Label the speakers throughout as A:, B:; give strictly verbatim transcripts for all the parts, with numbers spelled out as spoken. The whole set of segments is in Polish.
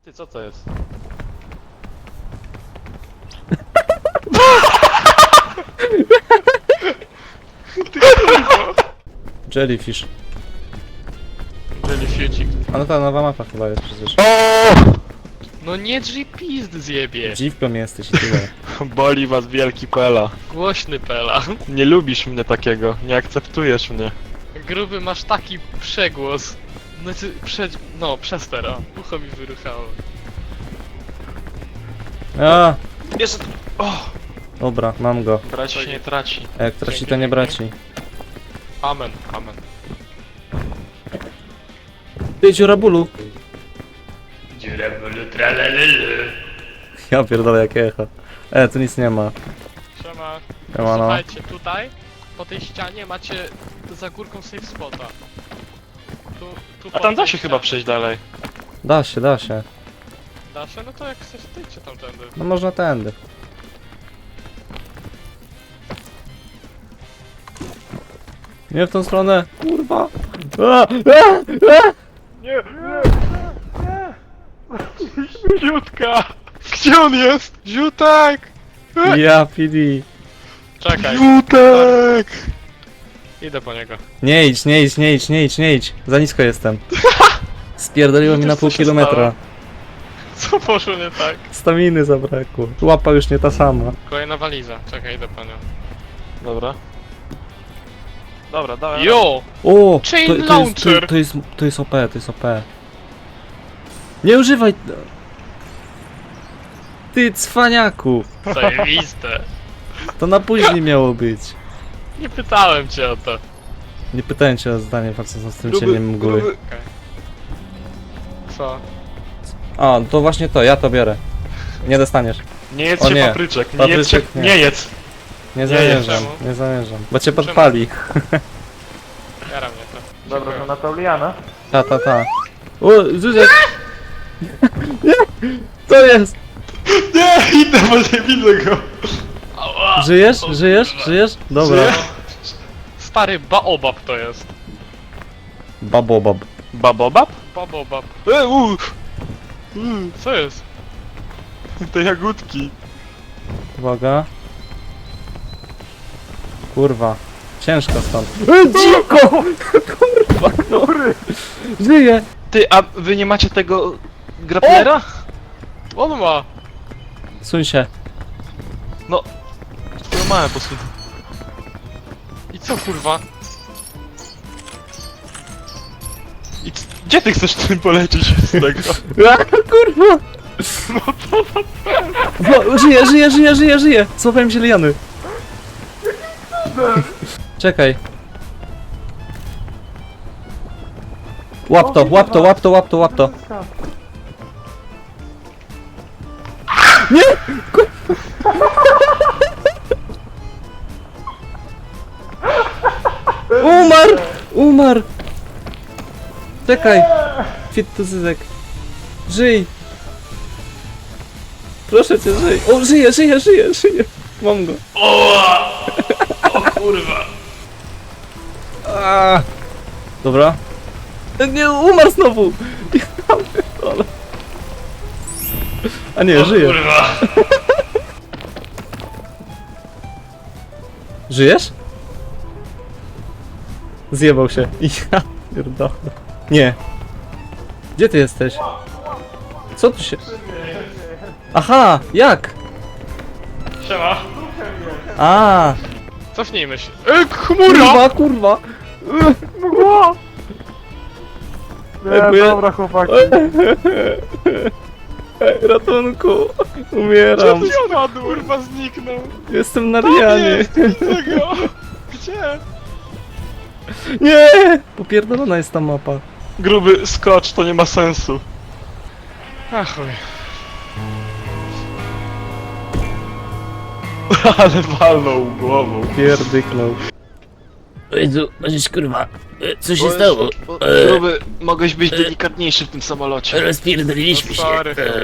A: Ty, co to jest?
B: Jellyfish.
A: Jellyfishik.
B: A no ta nowa mapa chyba jest przecież.
A: No nie drzyj pizd zjebie.
B: Dziwką jesteś i tyle.
A: Boli was wielki Pela. Głośny Pela. Nie lubisz mnie takiego, nie akceptujesz mnie. Gruby, masz taki przegłos. Znaczy, prze... no, przez teraz. Ucho mi wyruchało.
B: A,
A: Jest... O!
B: dobra, mam go.
A: Braci się nie traci.
B: A jak traci, to nie braci.
A: Amen, amen.
B: Ty, dziura bólu.
A: Dziurabulu tralalulu.
B: Ja pierdolę, jakie echo. E, tu nic nie ma.
A: Siema.
B: Siemano.
A: Słuchajcie, tutaj, po tej ścianie macie za górką safe spota. Tu, tu
C: A tam da się chyba przejść dalej.
B: Da się, da się.
A: Da się? No to jak chcesz, to idźcie tamtędy.
B: No można tędy. Nie w tą stronę. Kurwa. A, a, a.
A: Nie, nie, nie, nie. Ziutka! Gdzie on jest? Ziutek!
B: Ja, P D.
A: Czekaj.
C: Jutek!
A: Idę po niego.
B: Nie idź, nie idź, nie idź, nie idź, nie idź. Za nisko jestem. Spierdoliło mi na pół
A: Co się
B: kilometra.
A: Co poszło nie tak?
B: Staminy zabrakło. Łapa już nie ta sama.
A: Kolejna waliza. Czekaj, idę po nią.
C: Dobra. Dobra, dawaj.
A: Jo!
B: O!
A: Chain
B: to, to, jest,
A: launcher.
B: to, to, jest, to jest O P, to jest O P. Nie używaj... Ty cwaniaku!
A: Zajebiste.
B: To na później miało być.
A: Nie pytałem cię o to.
B: Nie pytałem cię o zdanie facet z tym
C: Gruby,
B: cieniem mgły.
C: gruby.
A: Co?
B: A, to właśnie to, ja to biorę. Nie dostaniesz.
C: Nie jedz
B: O
C: się
B: nie.
C: papryczek, nie
B: Papryczek
C: jedz się,
B: nie.
C: nie jedz.
B: Nie
C: Nie,
B: zamierzam,
A: czemu?
B: nie zamierzam. Bo cię podpali.
A: Jara mnie to.
C: Dobra,
A: Dziękuję.
C: to na Pauliana.
B: Ta, ta, ta. O, Zuzek! Nie! Co jest?
C: Nie, idę, bo nie widzę go.
A: Ała!
B: Żyjesz?
A: O,
B: Żyjesz?
A: kurwa.
B: Żyjesz? Dobra.
C: Żyję.
A: Stary baobab to jest.
B: Babobab.
C: Babobab?
A: Baobab.
C: E, u, u,
A: Co jest?
C: te jagódki.
B: Uwaga. Kurwa. Ciężko stąd. E, dziko! Kurwa, no. Żyję!
C: Ty, a wy nie macie tego grapplera?
A: On ma!
B: Suń się.
C: Twoją małe posłuchaj.
A: I co kurwa?
C: I c- gdzie ty chcesz tym polecieć z tego?
B: A, kurwa! No, żyję, żyję, żyję, żyję, żyję! Złapałem się liany. Czekaj. Łap to, łap to, łap to, łap to, łap to. Nie! Ku- Umarł! Umarł! Czekaj! Fit to Zyzek. Żyj! Proszę cię, żyj! O, żyje, żyje, żyje, żyje! Mam go.
A: O kurwa!
B: A. Dobra. Nie, umarł znowu! Ja pierdolę. A nie, żyje.
A: Kurwa!
B: Żyjesz? Zjebał się. Ja pierdolę. Nie. Gdzie ty jesteś? Co tu się... Aha, jak?
A: Siema!
B: A,
A: Cofnijmy się. E, chmura!
B: kurwa, kurwa.
A: Mgła!
B: Ej, bo ja-
C: dobra chłopaki.
B: Ej, ratunku. Umieram.
A: Gdzie ty spadł? Kurwa zniknął!
B: Jestem na Rianie.
A: Widzę go! Gdzie?
B: Nie! Popierdolona jest ta mapa.
C: Gruby skocz, to nie ma sensu.
A: Ach chuj.
C: Ale walnął głową.
B: Pierdyknął.
D: Jezu, możesz kurwa, e, co się
C: Bo-
D: stało?
C: bo-
D: E,
C: Gruby, mogłeś być delikatniejszy w tym samolocie.
D: Rozpierdoliliśmy się.
A: Sorry.
D: E,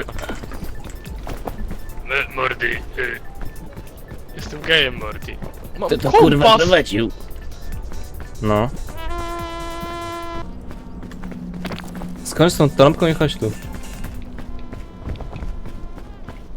A: M- Mordy. y. Jestem gejem, Morty. Mam
D: Kto to kurwa
A: kompas!
D: prowadził?
B: No. Skończ z tą trąbką i chodź tu.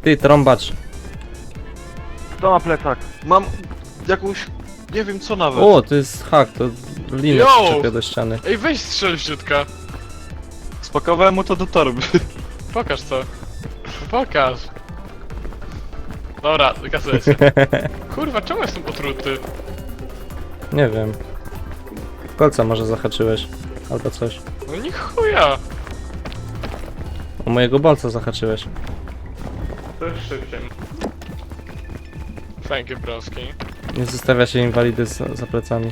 B: Ty, trąbacz.
C: Kto ma plecak? Mam jakąś... nie wiem co nawet.
B: O, to jest hak, to linę
A: Yo!
B: przyczepia do ściany.
A: Ej, weź strzel w dziutka.
C: Spakowałem mu to do torby.
A: Pokaż co. Pokaż. Dobra, kasuję się. Kurwa, czemu jestem otruty?
B: Nie wiem. Kolca może zahaczyłeś. Albo coś.
A: No nie chuja.
B: O mojego bolca zahaczyłeś.
A: To jest szybciej. Thank you, broski.
B: Nie zostawia się inwalidy za, za plecami.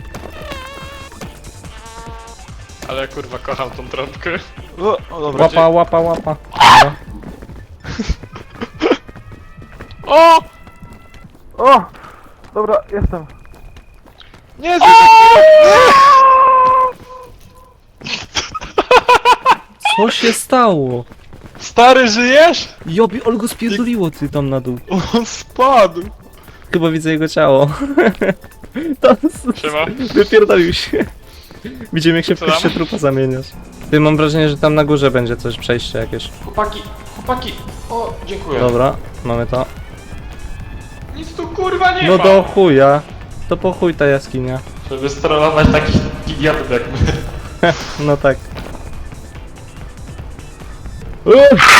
A: Ale kurwa, kocham tą trąbkę.
C: O, o dobra.
B: Łapa, łapa, łapa. Dobra.
A: O!
C: O! Dobra, jestem. Nie,
B: Co się stało?
C: Stary, żyjesz?
B: Jobi, Olgo spierdoliło ty tam na dół.
C: On spadł.
B: Chyba widzę jego ciało. Tam
A: Siema.
B: wypierdolił się. Widzimy jak się w
A: Co tam?
B: pierwsze trupa zamieniasz. Ty, mam wrażenie, że tam na górze będzie coś, przejście jakieś.
C: Chłopaki, chłopaki. O, dziękuję.
B: Dobra, mamy to.
A: Nic tu kurwa nie
B: No
A: ma!
B: do chuja. To po chuj ta jaskinia.
C: Żeby strollować takich idiotów jak my.
B: No tak. Uff.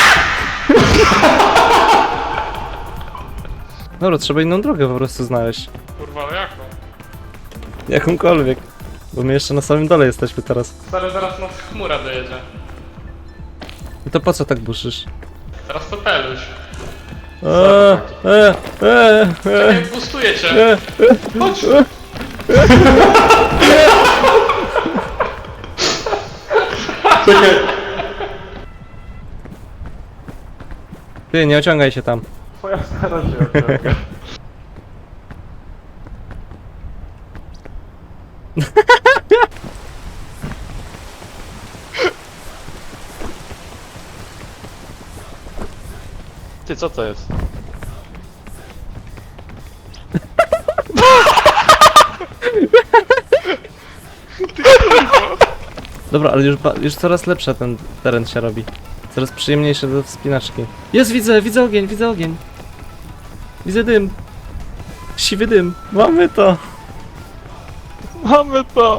B: Dobra, trzeba inną drogę po prostu znaleźć.
A: Kurwa, ale jaką?
B: Jakąkolwiek. Bo my jeszcze na samym dole jesteśmy teraz.
A: Stary, zaraz nas chmura dojedzie.
B: I to po co tak buszysz?
A: Teraz to peluś.
B: Eee, eee, eee, eee,
A: Czekaj, boostuję cię.
B: eee.
A: Chodź!
B: Ty, nie ociągaj się tam.
C: Twoja stara się ociąga. Ty, co to jest?
B: Dobra, ale już, ba- już coraz lepszy ten teren się robi. Coraz przyjemniejszy do wspinaczki. Jest, widzę, widzę ogień, widzę ogień. Widzę dym. Siwy dym. Mamy to.
C: Mamy to!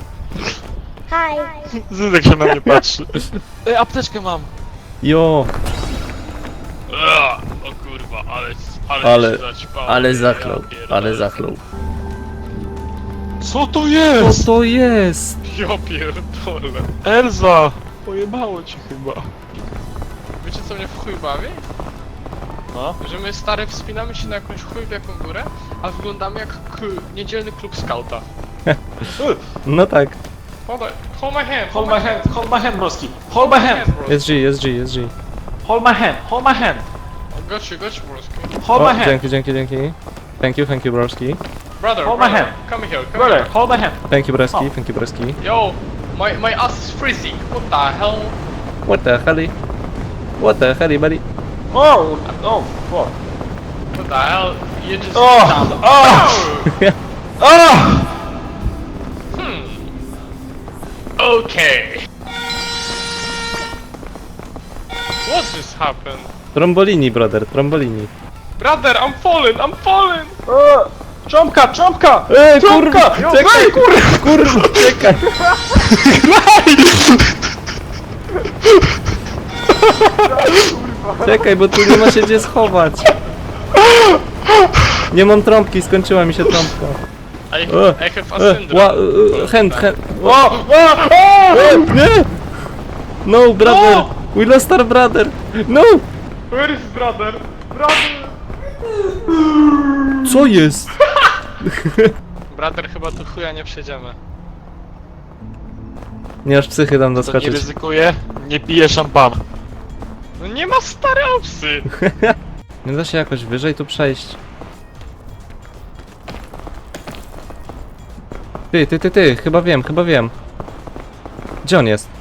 E: Hi.
C: Zydek się na mnie patrzy. Ej, apteczkę mam.
B: Jo,
A: Ua, o kurwa, ale... Ale...
B: Ale-
A: się zaćpało.
B: ale
A: Ja
B: zachlał,
A: pierdolę.
B: ale zachlał.
C: Co to
B: Co
C: jest?
B: to jest?
A: Ja pierdolę.
C: Elza! Pojebało ci chyba.
A: Wiecie co mnie w chuj bawi?
C: No?
A: Że my stare wspinamy się na jakąś chuj wielką górę, a wyglądamy jak k- niedzielny klub skauta.
B: No tak.
A: Hold, on, hold my hand,
C: Hold my hand, hold my hand, broski. Hold my hand.
A: bro.
B: Jest G, jest G, jest G.
C: Hold my hand, hold my hand.
A: Got you, got you, broski.
C: Hold
B: O,
C: my hand.
B: dzięki, dzięki, dzięki. Thank you, thank you, broski.
A: Brother,
C: Hold my
A: brother,
C: hand.
A: come here, come
C: Brother,
A: here.
C: hold my hand.
B: Thank you, broski,
C: O.
B: thank you, broski.
A: Yo, my, my ass is freezing. What the hell?
B: What the hell? What the hell, buddy?
C: Oh, oh, fuck.
A: What the hell? You just...
C: Oh, oh, oh!
A: Hmm. Okay. What just happened?
B: Trombolini, brother, trombolini.
A: Brother, I'm falling, I'm falling!
C: O! Cząbka, cząbka!
B: Ej,
C: Cząbka!
B: kurwa, czekaj, kurwa, kurwa, czekaj. Czekaj, bo tu nie ma się gdzie schować. Nie mam trąbki, skończyła mi się trąbka.
A: I,
B: O,
A: I have a
B: E,
A: syndrome.
B: ła, e, hand, hand.
C: O! O! O!
B: E, nie! No, brother! We lost our brother! No!
A: Where is brother? Brother!
B: Co jest?
A: Brother, chyba tu chuja nie przejdziemy.
B: Nie aż psychy tam
C: To nie
B: doskoczyć.
C: ryzykuje, nie pije szampan.
A: No nie ma stare opsy!
B: Nie da się jakoś wyżej tu przejść. Ty, ty, ty, ty, chyba wiem, chyba wiem. Gdzie on jest?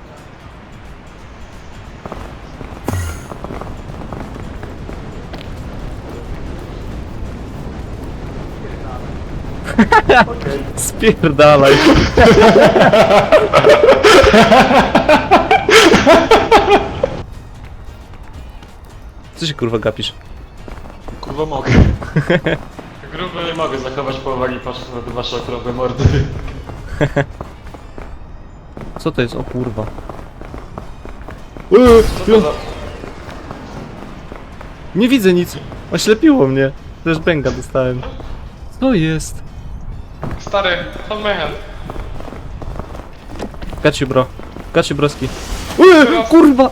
B: Spierdalaj. Co się kurwa gapisz?
A: Kurwa mogę. Gruby nie mogę zachować powagi patrząc na te wasze okrągłe mordy.
B: Co to jest? O kurwa. Eee,
A: Co to za...
B: nie widzę nic. Oślepiło mnie. Też bęga dostałem. Co jest?
A: Stary, hold my hand.
B: Gaciu bro. Gaciu broski. Eee, kurwa!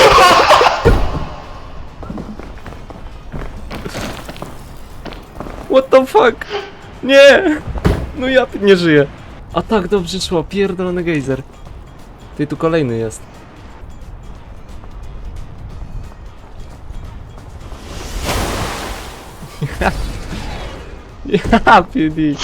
B: What the fuck? Nie! No ja tu nie żyję. A tak dobrze szło, pierdolony gejzer. Ty tu kolejny jest. Ja, P D.